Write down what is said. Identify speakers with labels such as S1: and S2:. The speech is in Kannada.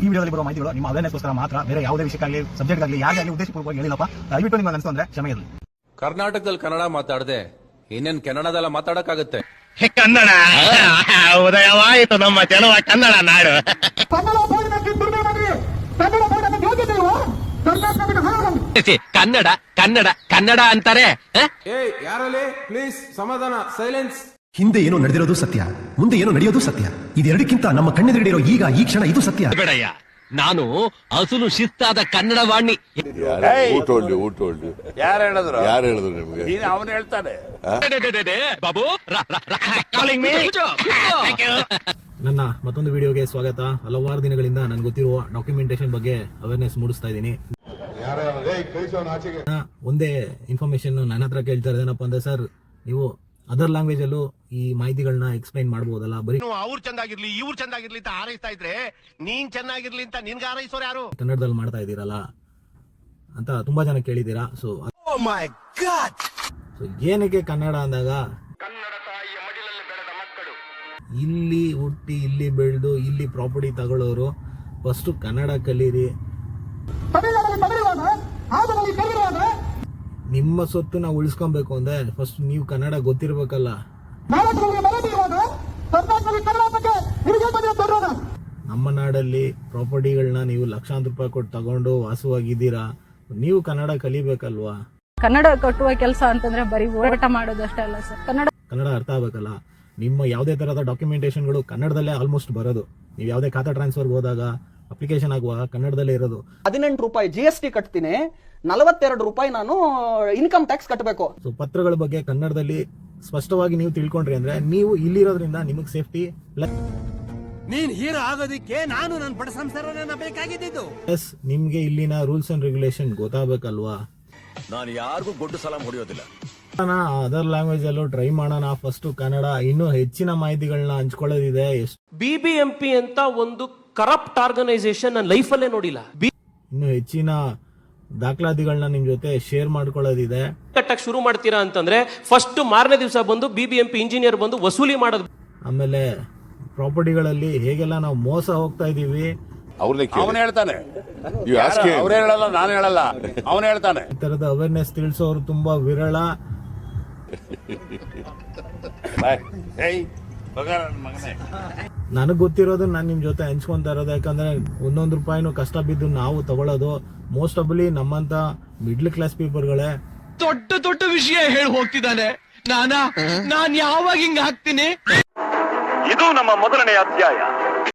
S1: ಈ ವಿಡಿಯೋದಲ್ಲಿ ಬರುವ ಮಾಹಿತಿಗಳು ನಿಮ್ಮ ಅವೇರ್ನೆಸ್ಗೋಸ್ಕರ ಮಾತ್ರ, ಬೇರೆ ಯಾವುದೇ ವಿಷಯಕ್ಕಾಗಲಿ ಸಬ್ಜೆಕ್ಟ್ ಆಗಲಿ ಯಾಕೆ ಆಗಲಿ ಉದ್ದೇಶಪೂರ್ವಕವಾಗಿ ಹೇಳಿಲ್ಲಪ್ಪ. ದಯವಿಟ್ಟು ನಿಮಗೆ ಅನಿಸ್ತು ಅಂದ್ರೆ ಕ್ಷಮೆ ಇರಲಿ.
S2: ಕರ್ನಾಟಕದಲ್ಲಿ ಕನ್ನಡ ಮಾತಾಡದೆ ಇನ್ನೇನ್ ಕನ್ನಡದಲ್ಲ ಮಾತಾಡಕ್ಕಾಗತ್ತೆ?
S3: ಕನ್ನಡ ಉದಯವಾಯಿತು ನಮ್ಮ ಚೆಲುವ ಕನ್ನಡ ನಾಡು. ಕನ್ನಡ ಕನ್ನಡ ಕನ್ನಡ ಅಂತಾರೆ.
S2: ಯಾರಲ್ಲಿ ಪ್ಲೀಸ್ ಸಮಾಧಾನ, ಸೈಲೆನ್ಸ್.
S4: ಹಿಂದೆ ಏನೋ ನಡೆದಿರೋದು ಸತ್ಯ, ಮುಂದೆ ಏನೋ ನಡೆಯೋದು ಸತ್ಯ. ಇದೆರಡಕ್ಕಿಂತ ನಮ್ಮ ಕಣ್ಣೆದುರಿಡಿರೋ ಈಗ ಈ ಕ್ಷಣ ಇದು ಸತ್ಯ.
S3: ಬೇಡಯ್ಯ, ನಾನು ಅಸಲು ಶಿಸ್ತಾದ ಕನ್ನಡ ವಾಣಿ.
S5: ಯಾರು ಹೇಳಿದ್ರು ನಿಮ್ಗೆ? ಅವನು ಹೇಳ್ತಾನೆ.
S3: ಬಾಬು
S1: ನನ್ನ ಮತ್ತೊಂದು ವಿಡಿಯೋಗೆ ಸ್ವಾಗತ. ಹಲವಾರು ದಿನಗಳಿಂದ ನನ್ಗೆ ಗೊತ್ತಿರುವ ಡಾಕ್ಯುಮೆಂಟೇಶನ್ ಬಗ್ಗೆ ಅವೇರ್ನೆಸ್ ಮೂಡಿಸ್ತಾ ಇದ್ದೀನಿ. ಒಂದೇ ಇನ್ಫಾರ್ಮೇಶನ್ ನನ್ನ ಹತ್ರ ಕೇಳ್ತಾ ಇರೋದೇನಪ್ಪ ಅಂದ್ರೆ, ಸರ್ ನೀವು ಅದರ್ ಲ್ಯಾಂಗ್ವೇಜ್ ಅಲ್ಲೂ ಈ ಮಾಹಿತಿಗಳನ್ನ ಎಕ್ಸ್ಪ್ಲೈನ್ ಮಾಡಬಹುದಲ್ಲ, ಬರೀ
S3: ಅವ್ರು ಚಂದಾಗಿರ್ಲಿ ಇವ್ರು ಚಂದಾಗಿರ್ಲಿ ಅಂತ ಹಾರೈಸ್ತಾ ಇದ್ರೆ ನೀನ್ ಚೆನ್ನಾಗಿರ್ಲಿ ಅಂತ ನಿನ್ಗೆ ಹಾರೈಸೋರು ಯಾರು?
S1: ಕನ್ನಡದಲ್ಲಿ ಮಾಡ್ತಾ ಇದ್ದೀರಲ್ಲ ಅಂತ ತುಂಬಾ ಜನ ಕೇಳಿದ್ದೀರಾ. ಸೊ ಏನಕ್ಕೆ ಕನ್ನಡ ಅಂದಾಗ, ಇಲ್ಲಿ ಹುಟ್ಟಿ ಇಲ್ಲಿ ಬೆಳೆದು ಇಲ್ಲಿ ಪ್ರಾಪರ್ಟಿ ತಗೊಳ್ಳೋರು ಫಸ್ಟ್ ಕನ್ನಡ ಕಲೀರಿ. ನಿಮ್ಮ ಸೊತ್ತನ್ನ ಉಳಿಸ್ಕೊಬೇಕು ಅಂದ್ರೆ ಫಸ್ಟ್ ನೀವು ಕನ್ನಡ ಗೊತ್ತಿರ್ಬೇಕಲ್ಲ. ನಮ್ಮ ನಾಡಲ್ಲಿ ಪ್ರಾಪರ್ಟಿಗಳನ್ನ ನೀವು ಲಕ್ಷಾಂತರ ರೂಪಾಯಿ ಕೊಟ್ಟು ತಗೊಂಡು ವಾಸವಾಗಿದ್ದೀರಾ, ನೀವು ಕನ್ನಡ ಕಲಿಬೇಕಲ್ವಾ?
S6: ಕನ್ನಡ ಕಟ್ಟುವ ಕೆಲಸ ಅಂತಂದ್ರೆ ಬರೀ ಹೋರಾಟ ಮಾಡೋದಷ್ಟೇ ಅಲ್ಲ ಸರ್,
S1: ಕನ್ನಡ ಅರ್ಥ ಆಗ್ಬೇಕಲ್ಲ. ನಿಮ್ಮ ಯಾವುದೇ ತರಹದ ಡಾಕ್ಯುಮೆಂಟೇಶನ್ಗಳು ಕನ್ನಡದಲ್ಲೇ ಆಲ್ಮೋಸ್ಟ್ ಬರೋದು. ನೀವು ಯಾವುದೇ ಖಾತಾ ಟ್ರಾನ್ಸ್ಫರ್ ಹೋದಾಗ, ಅಪ್ಲಿಕೇಶನ್ ಆಗುವಾಗ ಕನ್ನಡದಲ್ಲೇ ಇರೋದು.
S7: 18 ರೂಪಾಯಿ GST ಕಟ್ತೀನಿ, 42 ರೂಪಾಯಿ ನಾನು ಇನ್ಕಮ್ ಟ್ಯಾಕ್ಸ್ ಕಟ್ಟಬೇಕು.
S1: ಸೊ ಪತ್ರಗಳ ಬಗ್ಗೆ ಕನ್ನಡದಲ್ಲಿ ಸ್ಪಷ್ಟವಾಗಿ ನೀವು ತಿಳ್ಕೊಂಡ್ರಿ ಅಂದ್ರೆ ನೀವು ಇಲ್ಲಿರೋದ್ರಿಂದ ನಿಮಗೆ ಸೇಫ್ಟಿ.
S3: ನೀನ್ ಹೀರೋ ಆಗೋದಿಕ್ಕೆ ನಾನು ನನ್ನ ಬಡ ಸಂಸಾರನ ಬೇಕಾಗಿದ್ದು.
S1: ಎಸ್, ನಿಮ್ಗೆ ಇಲ್ಲಿನ ರೂಲ್ಸ್ ಅಂಡ್ ರೆಗ್ಯುಲೇಷನ್ ಗೊತ್ತಾಗಬೇಕಲ್ವಾ?
S5: ನಾನು ಯಾರಿಗೂ ಗೊಡ್ಡು ಸಲಾಂ ಹೊಡೆಯೋದಿಲ್ಲ.
S1: ಅದರ್ ಲ್ಯಾಂಗ್ವೇಜ್ ಅಲ್ಲೂ ಟ್ರೈ ಮಾಡೋಣ. ಫಸ್ಟ್ ಕನ್ನಡ, ಇನ್ನೂ ಹೆಚ್ಚಿನ ಮಾಹಿತಿಗಳನ್ನ ಹಂಚ್ಕೊಳ್ಳೋದಿದೆ.
S8: BBMP ಅಂತ ಒಂದು ಕರಪ್ಟ್ ಆರ್ಗನೈಸೇಷನ್ ನನ್ನ ಲೈಫಲ್ಲೇ ನೋಡಿಲ್ಲ.
S1: ಇನ್ನು ಹೆಚ್ಚಿನ ದಾಖಲಾತಿಗಳನ್ನ ನಿಮ್ ಜೊತೆ ಶೇರ್ ಮಾಡ್ಕೊಳ್ಳೋದಿದೆ.
S8: ಕಟ್ಟಕ್ ಶುರು ಮಾಡ್ತೀರಾ ಅಂತಂದ್ರೆ ಫಸ್ಟ್ ಮಾರನೇ ದಿವಸ ಬಂದು BBMP ಇಂಜಿನಿಯರ್ ಬಂದು ವಸೂಲಿ ಮಾಡೋದು. ಆಮೇಲೆ
S1: ಪ್ರಾಪರ್ಟಿಗಳಲ್ಲಿ ಹೇಗೆಲ್ಲ ನಾವು ಮೋಸ ಹೋಗ್ತಾ ಇದೀವಿ,
S5: ಅವನು ಹೇಳ್ತಾನೆ. ಅವ್ರು ಹೇಳಲ್ಲ, ನಾನು ಹೇಳಲ್ಲ, ಅವನು ಹೇಳ್ತಾನೆ.
S1: ಈ ತರದ ಅವೇರ್ನೆಸ್ ತಿಳಿಸೋರು ತುಂಬಾ ವಿರಳ. ನನಗ್ ಗೊತ್ತಿರೋದು ನಾನು ನಿಮ್ ಜೊತೆ ಹಂಚ್ಕೊಂತ ಇರೋದು. ಯಾಕಂದ್ರೆ ಒಂದೊಂದು ರೂಪಾಯಿನೂ ಕಷ್ಟ ಬಿದ್ದು ನಾವು ತಗೊಳ್ಳೋದು ಮೋಸ್ಟ್ ಆಫ್ಲಿ ನಮ್ಮಂತ ಮಿಡ್ಲ್ ಕ್ಲಾಸ್ ಪೀಪಲ್ಗಳೇ.
S3: ದೊಡ್ಡ ದೊಡ್ಡ ವಿಷಯ ಹೇಳಿ ಹೋಗ್ತಿದ್ದಾನೆ. ನಾನ್ ಯಾವಾಗ ಹಿಂಗ ಹಾಕ್ತೀನಿ?
S9: ಇದು ನಮ್ಮ ಮೊದಲನೇ ಅಧ್ಯಾಯ.